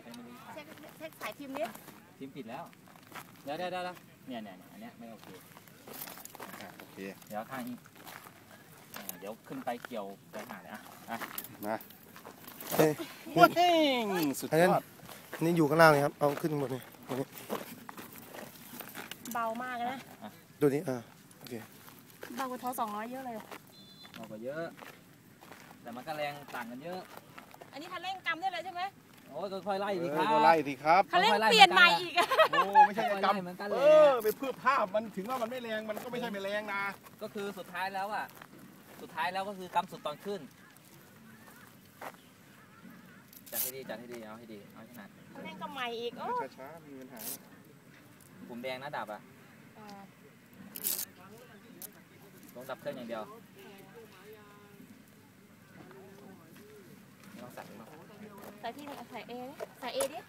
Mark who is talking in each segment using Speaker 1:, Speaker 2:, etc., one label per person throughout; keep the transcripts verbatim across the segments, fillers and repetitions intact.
Speaker 1: เช็คเช็คสายทีมนี้
Speaker 2: ทีมผิดแล้วเดี๋ยวเดี๋ยวเดี๋ยวเนี่ยเนี่ยอันเนี้ยไม่โอเค
Speaker 3: โอเค
Speaker 2: เดี๋ยวข้างนี้เดี๋ยวขึ้นไปเกี่ยวไปหาเลยอ่ะ
Speaker 3: มาเฮ้ยสุดยอด
Speaker 4: นี่อยู่ข้างล่างเลยครับเอาขึ้นหมดเลย
Speaker 1: เบามากนะ
Speaker 4: ดูนี่อ่าโอเค
Speaker 1: เบากว่าท้อสองร้อยเยอะเลย
Speaker 2: เบากว่าเยอะแต่มันก็แรงต่างกันเยอะ
Speaker 1: อันนี้คันเร่งกำได้เลยใช่ไหม
Speaker 2: โอ้ยค่อยๆไล่ดีครับ
Speaker 3: ไล่ดีครับ
Speaker 1: คันเร่งเปลี่ยนใหม่อีก
Speaker 3: โอ้ไม่ใช่กำเออไปเพื่อภาพมันถึงว่ามันไม่แรงมันก็ไม่ใช่ไม่แรงนะ
Speaker 2: ก็คือสุดท้ายแล้วอ่ะสุดท้ายแล้วก็คือกำสุดตอนขึ้นจัดให้ดีจัดให้ดีเอาให้ดีเอาให้ถนัด
Speaker 1: คันเร่งก็ใหม่อีกโอ้
Speaker 3: ช้าๆมีปัญหา
Speaker 2: ผมแดงนะดับอ่ะต้องดับเครื่องอย่างเดียวไม่ต้องสั่งหรอก
Speaker 1: ใส่ที่ใส่เอใส่เอดิ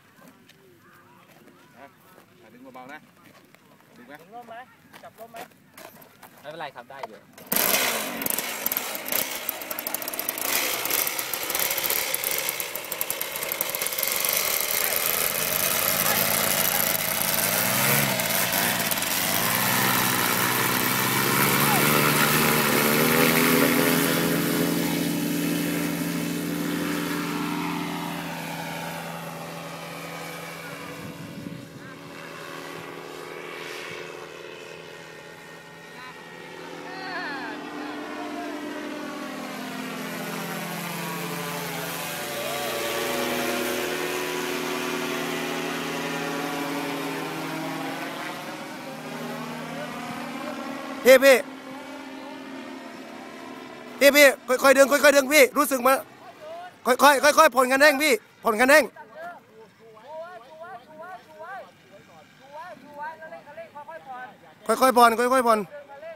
Speaker 3: ดึงเบาๆนะดึงไหม
Speaker 1: ดึงร่มไหมจับร่มไหม
Speaker 2: ไม่เป็นไรครับได้อยู่
Speaker 4: พี่พี่พี่พี่ค่อยๆเดินค่อยๆเดินพี่รู้สึกมาค่อยๆค่อยๆผ่อนกันแห้งพี่ผ่อนกันแห้งค่อยๆผ่อนค่อยๆผ่อน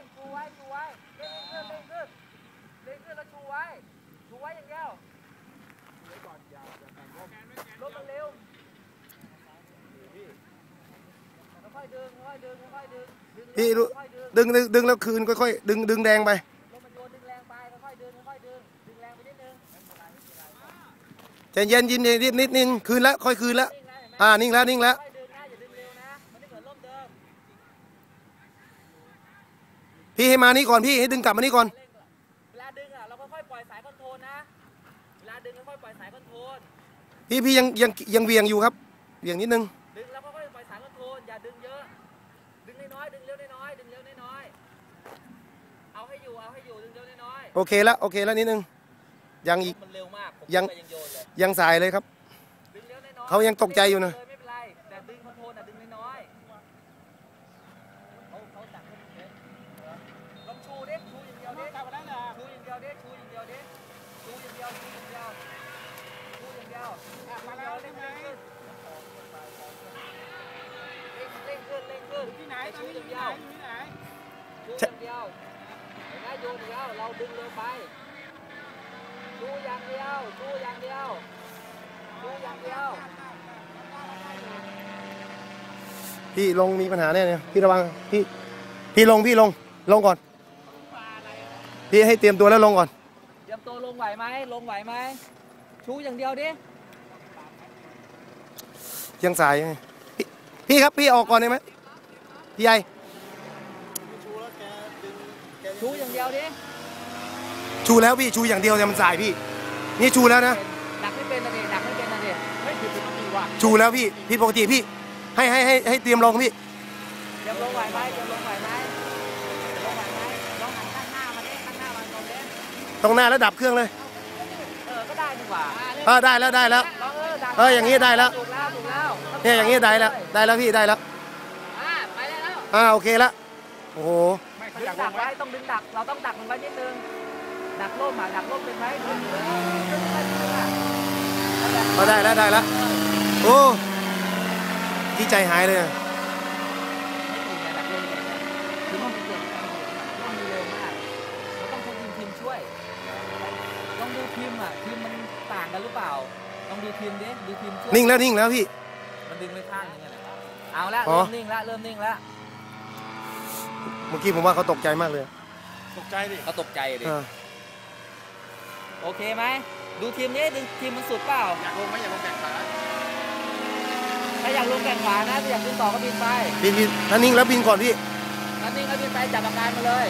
Speaker 4: พี่ดึงดึงดึงแล้วคืนค่อยๆดึงดึงแรงไปใจเย็นยินนิดนิดนิดคืนแล้วค่อยคืนแล้วอ่านิ่งแล้วนิ่งแล้วพี่ให้มานี่ก่อนพี่ให้ดึงกลับมานี่ก่อน
Speaker 2: เวลาดึงอ่ะเราค่อยๆปล่อยสายคอนโทรลนะเวลาดึงค่อยๆปล่อยสายคอนโทรล
Speaker 4: พี่พี่ยังยังยังเวียงอยู่ครับเวียงนิดนึง
Speaker 2: ดึงแล้วค่อยๆปล่อยสายคอนโทรลอย่าดึงเยอะดึงน้อยๆดึงเร็วน้อยๆดึงเร็วน้อยๆเอาให้อยู่เอาให้อยู่ดึงเร็วน้อย
Speaker 4: ๆโอเคแล้วโอเคแล้วนิดนึงยังอีก
Speaker 2: มันเร็วมาก
Speaker 4: ยังยังสายเลยครับเขายังตกใจอยู่นะ
Speaker 2: ไม่เป็นไรแต่ดึงคอนโทรลอ่ะดึงน้อยๆเขาเขาสั่งให้ดึงเยอะลองชูดิชูอย่างเดียวดิชูอย่างเดียวดิชูอย่างเดียวดิชูอย่างเดียวชูอย่างเดียวชูอย่างเดียวมาแล้วเร่งเร่งขึ้นเร่งขึ้นเร่งขึ้นที่ไหนชูอย่างเดียวชูอย่างเดียวเห็นไหมโยนเดียวเราดึงเร็วไปชูอย่างเดียวชูอย่างเดียวชูอย่างเดียว
Speaker 4: พี่ลงมีปัญหาแน่เนี่ยพี่ระวังพี่พี่ลงพี่ลงลงก่อนพี่ให้เตรียมตัวแล้วลงก่อน
Speaker 2: เตรียมตัวลงไหวไหมลงไหวไหมชูอย่างเดียวดิ
Speaker 4: ยังสายไงพี่พี่ครับพี่ออกก่อนได้ไหมพี่ใหญ่
Speaker 2: ชูอย่างเดียวดิ
Speaker 4: ชูแล้วพี่ชูอย่างเดียวเนี่ยมันสายพี่นี่ชูแล้วนะ
Speaker 2: ดักไม่เป็นนะเด็กดักไม่เป็นนะเด็กไม่ผิดปกติว่ะ
Speaker 4: ชูแล้วพี่พี่ปกติพี่ให้ให้ให้ให้เตรียมลงพี่
Speaker 2: เตรียมลงไหวไหมเตรียมลงไหวไหมลงไหวไหมลองหันข้างหน้ามาเด้ข้างหน้ามาตรงเด้
Speaker 4: ตรงหน้าแล้วดับเครื่องเลย
Speaker 2: เออก็ได้ดีกว่า
Speaker 4: เออได้แล้วได้แล้วเอออย่างนี้ได้แล้วเนี่ยอย่างนี้ได้แล้วได้แล้วพี่ได้แล้ว
Speaker 2: อ่าไปได้แล้ว
Speaker 4: อ่าโอเคแล้วโอ้โห
Speaker 2: ดึงดักไว้ต้องดึงดักเราต้องดักมันไว้นิดนึงดักร่มอ่ะดักร่มเป็นไหม
Speaker 4: ก็ได้แล้วได้แล้วโอ้ที่ใจหายเลย
Speaker 2: คือมันเก่งมันเร็วมากเราต้องใช้ทีมทีมช่วยลองดูทีมอ่ะทีมมันต่างกันหรือเปล่าลองดูทีมดิดูทีมช่วย
Speaker 4: นิ่งแล้วนิ่งแล้วพี่
Speaker 2: มันดึงไปข้างนึงไงเอาละเริ่มนิ่งละเริ่มนิ่งละ
Speaker 4: เมื่อกี้ผมว่าเขาตกใจมากเลย
Speaker 3: ตกใจดิ
Speaker 2: เขาตกใจดิโอเคไหมดูทีมนี้ดึงทีมมันสุดเปล่า
Speaker 3: อยากลงไหมอยากลงแบกขา
Speaker 2: ถ้าอยากลงแก่งขวานะถ้าอยากขึ้นต่อก็บินไป
Speaker 4: บินบินนั่นนิ่งแล้วบินก่อนพี่
Speaker 2: นั่นนี่ก็บินไปจับอาการมาเลย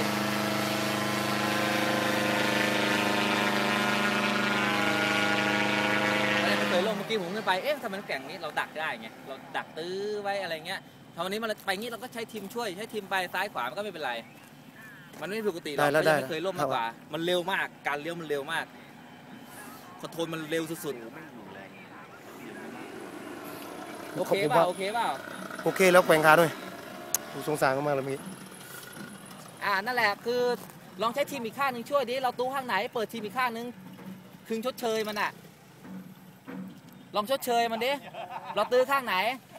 Speaker 2: ไม่เคยลงเมื่อกี้ผมขึ้นไปเอ๊ะทำไมน้ำแข็งนี้เราดักได้ไงเราดักตื้อไว้อะไรเงี้ยพอวันนี้มันไปงี้เราก็ใช้ทีมช่วยใช้ทีมไปซ้ายขวามันก็ไม่เป็นไรมันไม่ปกติเราไม่เคยล่มมากกว่ามันเร็วมากการเลี้ยวมันเร็วมากคอนโทรลมันเร็วสุดๆโอเคเปล่าโอเคเปล่า
Speaker 4: โอเคแล้วแกว่งขาด้วยผมสงสารมากเลยมี
Speaker 2: อ่านั่นแหละคือลองใช้ทีมอีกข้างหนึ่งช่วยดิเราตู้ข้างไหนเปิดทีมอีกข้างหนึ่งคืนชดเชยมันอ่ะลองชดเชยมันดิเราตื้อข้างไหน